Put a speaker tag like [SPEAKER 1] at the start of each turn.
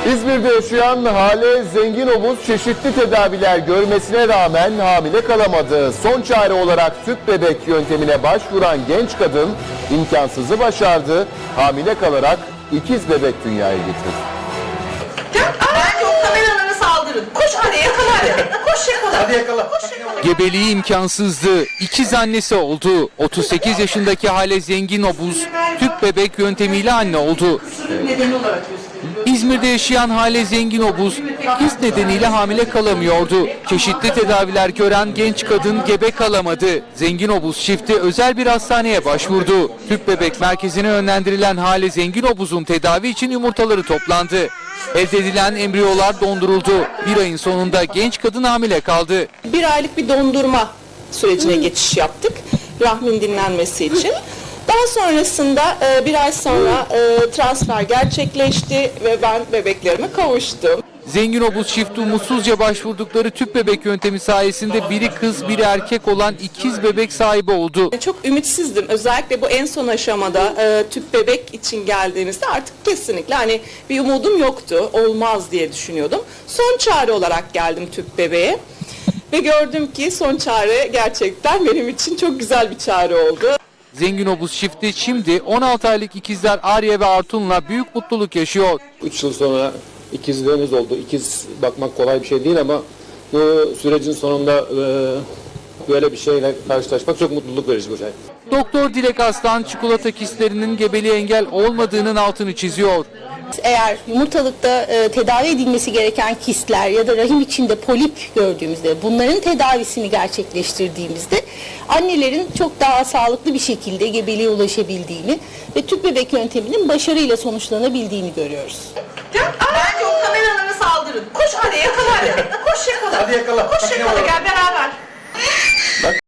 [SPEAKER 1] İzmir'de yaşayan Hale Zenginomuz çeşitli tedaviler görmesine rağmen hamile kalamadı. Son çare olarak tüp bebek yöntemine başvuran genç kadın imkansızı başardı. Hamile kalarak ikiz bebek dünyaya getirdi.
[SPEAKER 2] Bence o kameralara saldırın. Koş hadi yakala hadi. Koş yakala.
[SPEAKER 1] Hadi yakala.
[SPEAKER 2] Koş yakala.
[SPEAKER 3] Gebeliği imkansızdı. İkiz annesi oldu. 38 yaşındaki Hale Zenginomuz tüp bebek yöntemiyle anne oldu.
[SPEAKER 2] Nedeni olarak gösteriyor.
[SPEAKER 3] İzmir'de yaşayan Hale Zenginomuz ikiz nedeniyle hamile kalamıyordu. Çeşitli tedaviler gören genç kadın gebe kalamadı. Zenginomuz çifti özel bir hastaneye başvurdu. Tüp bebek merkezine yönlendirilen Hale Zenginomuz'un tedavi için yumurtaları toplandı. Elde edilen embriyolar donduruldu. Bir ayın sonunda genç kadın hamile kaldı.
[SPEAKER 4] Bir aylık bir dondurma sürecine geçiş yaptık rahmin dinlenmesi için. Daha sonrasında bir ay sonra transfer gerçekleşti ve ben bebeklerime kavuştum.
[SPEAKER 3] Zenginomuz çifti umutsuzca başvurdukları tüp bebek yöntemi sayesinde biri kız biri erkek olan ikiz bebek sahibi oldu.
[SPEAKER 4] Çok ümitsizdim. Özellikle bu en son aşamada tüp bebek için geldiğimizde artık kesinlikle hani bir umudum yoktu. Olmaz diye düşünüyordum. Son çare olarak geldim tüp bebeğe. Ve gördüm ki son çare gerçekten benim için çok güzel bir çare oldu.
[SPEAKER 3] Zenginomuz çifti şimdi 16 aylık ikizler Arya ve Artun'la büyük mutluluk yaşıyor.
[SPEAKER 5] 3 yıl sonra ikizlerimiz oldu. İkiz bakmak kolay bir şey değil ama bu sürecin sonunda böyle bir şeyle karşılaşmak çok mutluluk verici bir şey.
[SPEAKER 3] Doktor Dilek Aslan çikolata kistlerinin gebeliğe engel olmadığının altını çiziyor.
[SPEAKER 6] Eğer yumurtalıkta tedavi edilmesi gereken kistler ya da rahim içinde polip gördüğümüzde bunların tedavisini gerçekleştirdiğimizde annelerin çok daha sağlıklı bir şekilde gebeliğe ulaşabildiğini ve tüp bebek yönteminin başarıyla sonuçlanabildiğini görüyoruz.
[SPEAKER 2] Bence o kameralara saldırın. Koş hadi yakala hadi. Koş yakala.
[SPEAKER 1] Hadi yakala.
[SPEAKER 2] Koş yakala gel beraber.